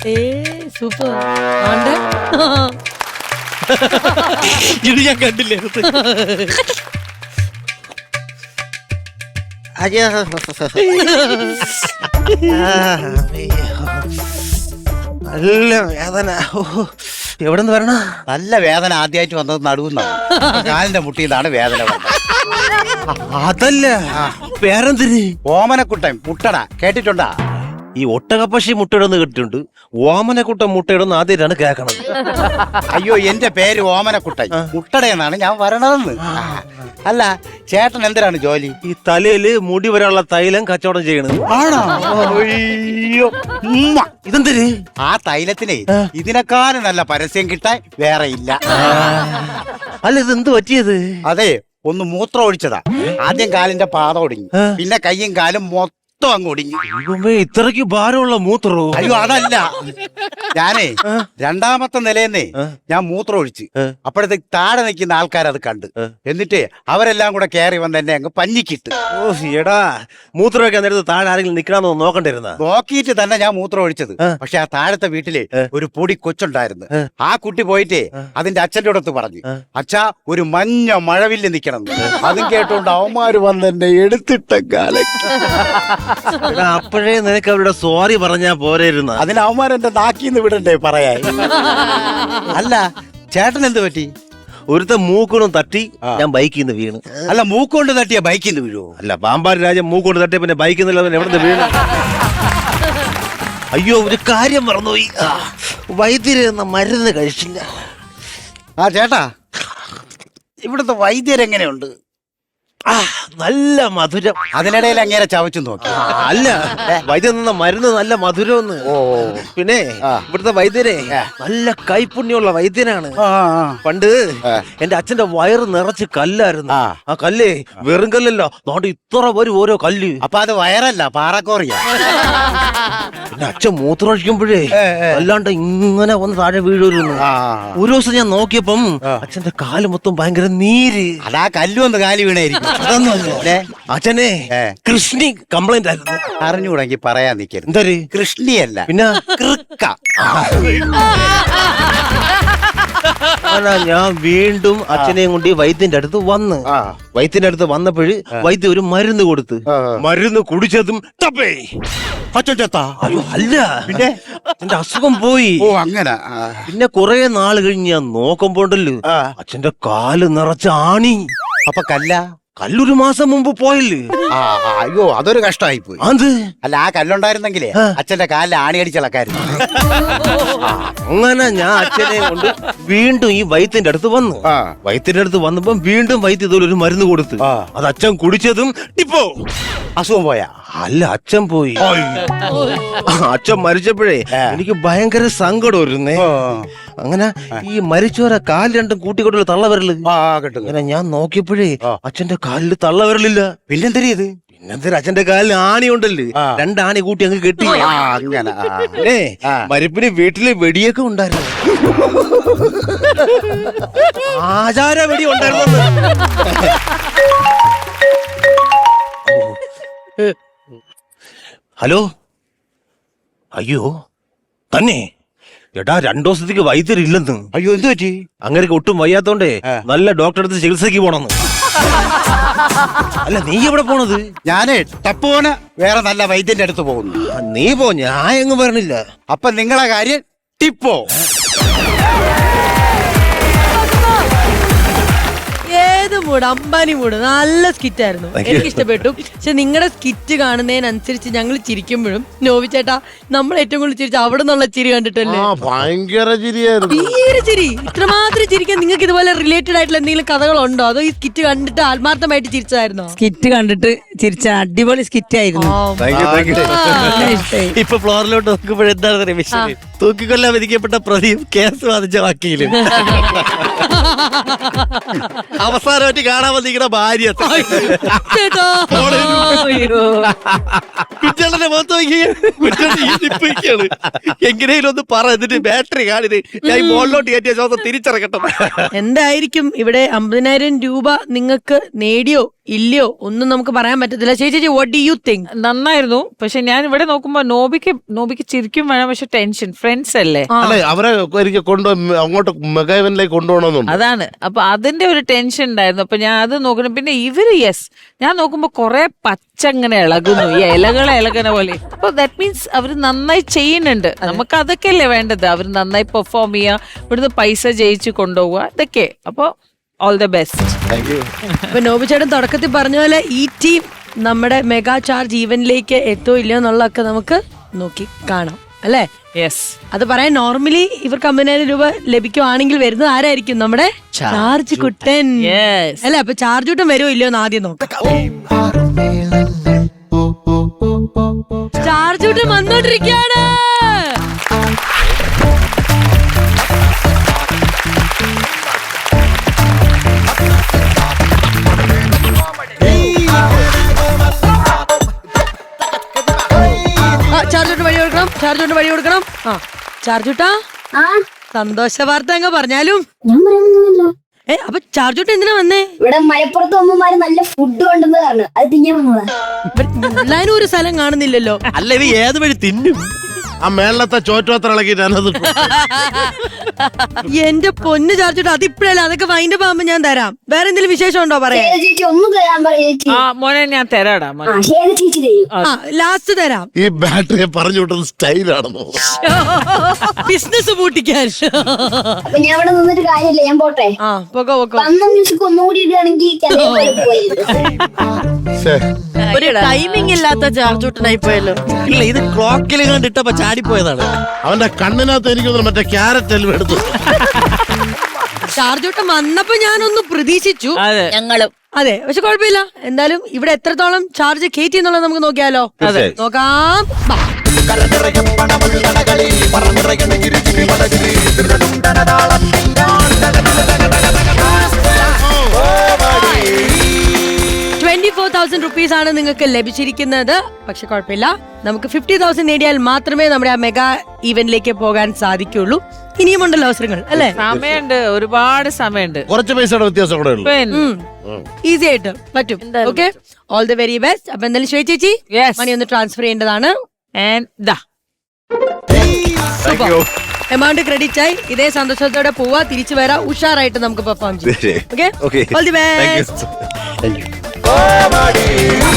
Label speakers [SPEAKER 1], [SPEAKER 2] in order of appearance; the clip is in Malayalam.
[SPEAKER 1] സൂപ്പർ.
[SPEAKER 2] ഇത് ഞാൻ കണ്ടില്ലേ?
[SPEAKER 3] നല്ല വേദന. എവിടെ നിന്ന് വരണ?
[SPEAKER 4] നല്ല വേദന ആദ്യമായിട്ട് വന്നത് നടുവുന്നാണ്. കാലിന്റെ മുട്ടിന്നാണ് വേദന വന്നത്.
[SPEAKER 3] അതല്ല, വേറെന്തിന്?
[SPEAKER 4] ഓമനക്കുട്ടൻ മുട്ടട കേട്ടിട്ടുണ്ടാ?
[SPEAKER 3] ഈ ഒട്ടകപ്പക്ഷി മുട്ടയിടുന്ന് കേട്ടിട്ടുണ്ട്. ഓമനക്കുട്ടൻ മുട്ടയിടുന്ന ആദ്യമായിട്ടാണ് കേൾക്കണത്.
[SPEAKER 4] അയ്യോ, എന്റെ പേര് ഓമനക്കുട്ടൻ, മുട്ടടയെന്നാണ് ഞാൻ വരണതെന്ന്. അല്ല, ചേട്ടൻ എന്തിനാണ് ജോലി?
[SPEAKER 3] ഈ തലയില് മുടി വരാനുള്ള തൈലം കച്ചവടം ചെയ്യണത്.
[SPEAKER 4] ആണോ? അയ്യോ,
[SPEAKER 3] ഇതെന്തിന്?
[SPEAKER 4] ആ തൈലത്തിനെ ഇതിനെക്കാളും നല്ല പരസ്യം കിട്ടാൻ വേറെ ഇല്ല.
[SPEAKER 3] അല്ല, ഇതെന്ത് പറ്റിയത്?
[SPEAKER 4] അതെ, ഒന്ന് മൂത്രം ഒഴിച്ചതാ. ആദ്യം കാലിന്റെ പാദം ഒടിഞ്ഞു, പിന്നെ കയ്യും കാലും മൊത്തം അങ്ങ് ഒടിഞ്ഞു.
[SPEAKER 3] ഇത്രയ്ക്ക് ഭാരമുള്ള മൂത്രോ?
[SPEAKER 4] അയ്യോ, അതല്ല, ഞാനേ രണ്ടാമത്തെ നിലയെന്നേ ഞാൻ മൂത്രം ഒഴിച്ച്. അപ്പോഴത്തേക്ക് താഴെ നിൽക്കുന്ന ആൾക്കാരത് കണ്ട്, എന്നിട്ട് അവരെല്ലാം കൂടെ കയറി വന്ന് എന്നെ അങ്ങ് പഞ്ഞിക്കിട്ട്.
[SPEAKER 3] ഓ എടാ, മൂത്രമൊക്കെ നേരത്തെ താഴെ ആരെങ്കിലും നിക്കണമെന്ന് നോക്കണ്ടിരുന്ന?
[SPEAKER 4] നോക്കിയിട്ട് തന്നെ ഞാൻ മൂത്രം ഒഴിച്ചത്. പക്ഷെ ആ താഴത്തെ വീട്ടിലെ ഒരു പൊടി കൊച്ചുണ്ടായിരുന്നു. ആ കുട്ടി പോയിട്ടേ അതിന്റെ അച്ഛൻ്റെ അടുത്ത് പറഞ്ഞു, അച്ഛാ ഒരു മഞ്ഞ മഴവില്ല് നിക്കണം. അതും കേട്ടോണ്ട് അവന്മാര് വന്ന് എന്നെ എടുത്തിട്ട കാലം.
[SPEAKER 3] അപ്പോഴേ നിനക്ക് അവരുടെ സോറി പറഞ്ഞാ പോരായിരുന്ന?
[SPEAKER 4] അതിന് അവന്മാരെന്റെ നാക്കിന്ന് വിടണ്ടേ പറയാൻ. അല്ല, ചേട്ടൻ എന്ത് പറ്റി?
[SPEAKER 3] ഒരുത്ത മൂക്കൊന്നും തട്ടി ഞാൻ ബൈക്കിൽ നിന്ന് വീണ്.
[SPEAKER 4] അല്ല, മൂക്കൊണ്ട് തട്ടിയ ബൈക്കിൽ നിന്ന് വീഴുവോ?
[SPEAKER 3] അല്ല, പാമ്പാടി രാജൻ മൂക്കൊണ്ട് തട്ടിയ പിന്നെ ബൈക്കിൽ നിന്നല്ല എവിടെ നിന്ന് വീണ്? അയ്യോ, ഒരു കാര്യം മറന്നുപോയി. വൈദ്യര് എന്ന മരുന്ന് കഴിച്ചില്ല.
[SPEAKER 4] ആ ചേട്ടാ, ഇവിടുത്തെ വൈദ്യരെങ്ങനെയുണ്ട്?
[SPEAKER 3] നല്ല മധുരം.
[SPEAKER 4] അതിനിടയിൽ അങ്ങേരെ ചവച്ചു നോക്കി.
[SPEAKER 3] അല്ല, വൈദ്യൻ നിന്ന മരുന്ന് നല്ല മധുരമെന്ന്. പിന്നെ ഇവിടുത്തെ വൈദ്യരെ നല്ല കൈപുണ്യമുള്ള വൈദ്യനാണ്. പണ്ട് എന്റെ അച്ഛന്റെ വയറ് നിറച്ച് കല്ലായിരുന്നു. ആ കല്ലേ വെറും കല്ലല്ലോ, അതുകൊണ്ട് ഇത്ര വരും ഓരോ കല്ല്.
[SPEAKER 4] അപ്പൊ അത് വയറല്ല, പാറക്കോറിയ.
[SPEAKER 3] പിന്നെ അച്ഛൻ മൂത്രമൊഴിക്കുമ്പോഴേ അല്ലാണ്ട് ഇങ്ങനെ വന്ന് താഴെ വീഴുന്നു. ഒരു ദിവസം ഞാൻ നോക്കിയപ്പം അച്ഛന്റെ കാല് മൊത്തം ഭയങ്കര നീര്.
[SPEAKER 4] അതാ കല്ലു ഒന്ന് കാലി വീണായിരിക്കും.
[SPEAKER 3] അതൊന്നുമല്ല, അച്ഛനെ കൃഷ്ണി കംപ്ലൈന്റ് ആയിരുന്നു.
[SPEAKER 4] അറിഞ്ഞുകൂടെങ്കിൽ പറയാൻ നിൽക്കരുത്.
[SPEAKER 3] എന്തൊരു
[SPEAKER 4] കൃഷ്ണിയല്ല,
[SPEAKER 3] പിന്നെ
[SPEAKER 4] കൃക്ക.
[SPEAKER 3] ഞാൻ വീണ്ടും അച്ഛനെയും കൊണ്ട് വൈദ്യന്റെ അടുത്ത് വന്ന്. വൈദ്യന്റെ അടുത്ത് വന്നപ്പോഴ് വൈദ്യ ഒരു മരുന്ന് കൊടുത്ത്. മരുന്ന് കുടിച്ചതും തപ്പേ
[SPEAKER 4] അച്ഛൻ ചത്താ?
[SPEAKER 3] അയ്യോ അല്ല, പിന്നെ അച്ഛന്റെ അസുഖം പോയി.
[SPEAKER 4] ഓ അങ്ങനെ.
[SPEAKER 3] പിന്നെ കുറെ നാള് കഴിഞ്ഞ് ഞാൻ നോക്കുമ്പോണ്ടല്ലോ അച്ഛന്റെ കാല് നിറച്ച ആണി.
[SPEAKER 4] അപ്പൊ
[SPEAKER 3] കല്ലൊരു മാസം മുമ്പ് പോയല്ലേ?
[SPEAKER 4] അയ്യോ, അതൊരു കഷ്ടമായി പോയി.
[SPEAKER 3] അത്
[SPEAKER 4] അല്ല, ആ കല്ലുണ്ടായിരുന്നെങ്കിലേ അച്ഛന്റെ കാലിൽ ആണി അടിച്ചിളക്കായിരുന്നു.
[SPEAKER 3] അങ്ങനെ ഞാൻ അച്ഛനെ കൊണ്ട് വീണ്ടും ഈ വൈദ്യന്റെ അടുത്ത് വന്നു. വൈദ്യന്റെ അടുത്ത് വന്നപ്പം വീണ്ടും വൈദ്യ ഇതുപോലെ ഒരു മരുന്ന് കൊടുത്തു. അത് അച്ഛൻ കുടിച്ചതും ഇപ്പോ
[SPEAKER 4] അസുഖം പോയാ?
[SPEAKER 3] അല്ല, അച്ഛൻ പോയി. അച്ഛൻ മരിച്ചപ്പോഴേ എനിക്ക് ഭയങ്കര സങ്കടം വരുന്നേ. അങ്ങനെ ഈ മരിച്ചവരെ കാല് രണ്ടും കൂട്ടിക്കൊണ്ടുള്ള തള്ളവരല്. അങ്ങനെ ഞാൻ നോക്കിയപ്പോഴേ അച്ഛന്റെ കാലില് തള്ളവരലില്ല.
[SPEAKER 4] പിന്നെന്തരിയത്?
[SPEAKER 3] പിന്നെന്താ, അച്ഛന്റെ കാലിൽ ആണി ഉണ്ടല്ലേ, രണ്ടാണി കൂട്ടി അങ്ങ് കെട്ടി. അങ്ങനെ മരിപ്പിന് വീട്ടില് വെടിയൊക്കെ ഉണ്ടായിരുന്നു. ആചാര വെടി ഉണ്ടായിരുന്നു. ഹലോ, അയ്യോ തന്നെ എടാ, 2 ദിവസത്തേക്ക് വൈദ്യരില്ലെന്ന്.
[SPEAKER 4] അയ്യോ, എന്ത് പറ്റി?
[SPEAKER 3] അങ്ങനെ ഒട്ടും വയ്യാത്തോണ്ടേ നല്ല ഡോക്ടറെ അടുത്ത് ചികിത്സക്ക് പോണെന്ന്. അല്ല, നീ എവിടെ പോണത്?
[SPEAKER 4] ഞാനേ ടപ്പോന് വേറെ നല്ല വൈദ്യന്റെ അടുത്ത് പോകുന്നു.
[SPEAKER 3] നീ പോ, ഞാൻ എങ്ങും വരണില്ല.
[SPEAKER 4] അപ്പൊ നിങ്ങളെ കാര്യം ടിപ്പോ.
[SPEAKER 1] ഏത് മൂഡ്, അമ്പാനി മൂഡ്. നല്ല സ്കിറ്റ് ആയിരുന്നു, എനിക്ക് ഇഷ്ടപ്പെട്ടു. പക്ഷെ നിങ്ങളുടെ സ്കിറ്റ് കാണുന്നതിനനുസരിച്ച് ഞങ്ങൾ ചിരിക്കുമ്പോഴും നോവി ചേട്ടാ, നമ്മൾ ഏറ്റവും കൂടുതൽ ചിരിച്ച അവിടെ നിന്നുള്ള ചിരി കണ്ടിട്ടല്ലേ?
[SPEAKER 5] ഭയങ്കര ചിരിയായിരുന്നു.
[SPEAKER 1] തീരെ ചിരി. ഇത്രമാത്രം ചിരിക്കാൻ നിങ്ങൾക്ക് ഇതുപോലെ റിലേറ്റഡ് ആയിട്ടുള്ള എന്തെങ്കിലും കഥകളുണ്ടോ, അതോ ഈ സ്കിറ്റ് കണ്ടിട്ട് ആത്മാർത്ഥമായിട്ട് ചിരിച്ചായിരുന്നോ?
[SPEAKER 6] സ്കിറ്റ് കണ്ടിട്ട് ചിരിച്ച അടിപൊളി സ്കിറ്റ് ആയിരുന്നു.
[SPEAKER 2] ഇപ്പൊ ഫ്ലോറിലോട്ട് നോക്കുമ്പോഴെന്താണ് വിഷയം? തൂക്കിക്കൊല്ലാൻ വിധിക്കപ്പെട്ട പ്രതിയും കേസ് വാദിച്ച വക്കീലും അവസാനമായിട്ട് കാണാൻ വന്നിരിക്കുന്ന ഭാര്യ കുറ്റളന്റെ മുഖത്ത് നോക്കിയാണ്. എങ്ങനെയും ഒന്ന് പറ, എന്നിട്ട് ബാറ്ററി കാണിത് ഞാൻ മുകളിലോട്ട് കയറ്റിയ ശ്വാസം തിരിച്ചിറക്കട്ടെ.
[SPEAKER 1] എന്തായിരിക്കും ഇവിടെ 50,000 രൂപ നിങ്ങൾക്ക് നേടിയോ ഇല്ലയോ ഒന്നും നമുക്ക് പറയാൻ പറ്റത്തില്ല. ചേച്ചി, വാട്ട് ഡു യു തിങ്ക്?
[SPEAKER 6] നന്നായിരുന്നു. പക്ഷെ ഞാൻ ഇവിടെ നോക്കുമ്പോ നോബിക്ക് ചിരിക്കും വേണം, പക്ഷെ ടെൻഷൻ
[SPEAKER 7] ഫ്രണ്ട്സ് അല്ലേ.
[SPEAKER 5] അല്ലെ അവരെ എനിക്ക് അങ്ങോട്ട് മെഗാ ഇവന്റിലേക്ക് കൊണ്ടുപോകണമെന്നുണ്ട്.
[SPEAKER 7] അതാണ്. അപ്പൊ അതിന്റെ ഒരു ടെൻഷൻ ഉണ്ടായിരുന്നു. അപ്പൊ ഞാൻ അത് നോക്കണം. പിന്നെ ഇവര് ഞാൻ നോക്കുമ്പോ കൊറേ പച്ച ഇങ്ങനെ ഇളകുന്നു, ഈ ഇലകളെ ഇളകുന്ന പോലെ. അപ്പൊ ദാറ്റ് മീൻസ് അവര് നന്നായി ചെയ്യുന്നുണ്ട്. നമുക്ക് അതൊക്കെയല്ലേ വേണ്ടത്. അവര് നന്നായി പെർഫോം ചെയ്യുക, ഇവിടുന്ന് പൈസ ജയിച്ച് കൊണ്ടുപോവുക, ഇതൊക്കെ. അപ്പൊ ഓൾ ദ ബെസ്റ്റ്.
[SPEAKER 1] ഇപ്പൊ നോബി ചേട്ടൻ തുടക്കത്തിൽ പറഞ്ഞ പോലെ ഈ ടീം നമ്മുടെ മെഗാ ചാർജ് ഈവന്റിലേക്ക് എത്തോ ഇല്ലയോ എന്നുള്ളതൊക്കെ നമുക്ക് നോക്കി കാണാം അല്ലേ.
[SPEAKER 7] യെസ്.
[SPEAKER 1] അത് പറയാൻ നോർമലി ഇവർക്ക് 50,000 രൂപ ലഭിക്കുവാണെങ്കിൽ വരുന്നത് ആരായിരിക്കും? നമ്മുടെ ചാർജ് കുട്ടൻ അല്ലെ. അപ്പൊ ചാർജ് കുട്ടൻ വരുമോ ഇല്ലയോ എന്ന് ആദ്യം നോക്കാം. ചാർജ് കുട്ടൻ വന്നോണ്ടിരിക്കുകയാണ്. ചാർജോട്ട് വഴി കൊടുക്കണം, ചാർജോട്ട് വഴി കൊടുക്കണം. ആ ചാർജൂട്ടാ, സന്തോഷ വാർത്ത അങ്ങ് പറഞ്ഞാലും.
[SPEAKER 8] ഞാൻ പറയാനൊന്നുമില്ല.
[SPEAKER 1] അപ്പൊ ചാർജോട്ട് എന്തിനാ വന്നേ?
[SPEAKER 8] ഇവിടെ മലപ്പുറത്ത് അമ്മമാര് നല്ല ഫുഡ് കൊണ്ടെന്ന് പറഞ്ഞു, അത് തിന്നാൻ വന്നതാ.
[SPEAKER 1] എല്ലാരും ഒരു സ്ഥലം കാണുന്നില്ലല്ലോ.
[SPEAKER 2] അല്ല ഇത് ഏത് വഴി തിന്നും?
[SPEAKER 5] ആ മേളത്തെ ചോറ്റോത്ര ഇളക്കി ഞാനത്
[SPEAKER 1] എന്റെ പൊന്ന് ചാർജോട്ട്, അതിപ്പോഴല്ല, അതൊക്കെ വൈൻഡ് ആകുമ്പോ ഞാൻ തരാം. വേറെ എന്തെങ്കിലും വിശേഷം ഉണ്ടോ പറയാ?
[SPEAKER 8] ചേച്ചി ഒന്ന് തരാൻ ചേച്ചി.
[SPEAKER 7] ആ മോനെ ഞാൻ തരാടാ മോനെ.
[SPEAKER 8] ചേച്ചി തരും.
[SPEAKER 1] ലാസ്റ്റ് തരാം.
[SPEAKER 5] ഈ ബാറ്ററിയെ പറഞ്ഞു വിട്ടത് സ്റ്റൈലാണെന്നോ?
[SPEAKER 1] ബിസിനസ് പൂട്ടിക്കാൻ.
[SPEAKER 8] അപ്പൊ ഞാൻ ഇവിടെ നിന്നിട്ട് കാര്യമില്ല, ഞാൻ പോട്ടെ.
[SPEAKER 1] ആ പൊക്കോ പൊക്കോ.
[SPEAKER 8] വന്ന മ്യൂസിക് ഒന്നുകൂടി ഇടുകയാണെങ്കിൽ
[SPEAKER 1] ഒരു ടൈമിംഗ് ഇല്ലാത്ത ചാർജോട്ടനായി പോയല്ലോ.
[SPEAKER 2] ഇല്ല ഇത് ക്ലോക്കിൽ കണ്ടിട്ടപ്പോ ചാടിപ്പോയതാണ്.
[SPEAKER 5] അവന്റെ കണ്ണിനകത്ത് എനിക്ക് മറ്റേ ക്യാരറ്റ് എല്ലാം എടുത്തു.
[SPEAKER 1] ചാർജോട്ടം വന്നപ്പോ ഞാനൊന്ന് പ്രതീക്ഷിച്ചു.
[SPEAKER 7] അതെ.
[SPEAKER 1] ഞങ്ങളും അതെ, പക്ഷെ കുഴപ്പമില്ല. എന്തായാലും ഇവിടെ എത്രത്തോളം ചാർജ് കയറ്റി എന്നുള്ളത് നമുക്ക് നോക്കിയാലോ. നോക്കാം. ബാ. 24,000 റുപ്പീസ് ആണ് നിങ്ങൾക്ക് ലഭിച്ചിരിക്കുന്നത്. പക്ഷെ കുഴപ്പമില്ല, നമുക്ക് 50,000 നേടിയാൽ മാത്രമേ നമ്മുടെ ആ മെഗാ ഈവന്റിലേക്ക് പോകാൻ സാധിക്കുള്ളൂ. ഇനിയുമുണ്ടല്ലോ അവസരങ്ങൾ അല്ലേ?
[SPEAKER 7] സമയമുണ്ട്, ഒരുപാട് സമയമുണ്ട്.
[SPEAKER 5] കുറച്ച് പൈസയുടെ വ്യത്യാസം കൂടെ ഉള്ളു.
[SPEAKER 1] ഈസി ആയിട്ട് പറ്റും. Okay, all the very best. അപ്പൊ എന്തായാലും ശ്വേത ചേച്ചി മണി ഒന്ന് ട്രാൻസ്ഫർ ചെയ്യേണ്ടതാണ്. എമൗണ്ട് ക്രെഡിറ്റ് ആയി. ഇതേ സന്തോഷത്തോടെ പോവാ, തിരിച്ചു വരാ, ഉഷാറായിട്ട് നമുക്ക് പെർഫോം ചെയ്യാം. Okay, all the best.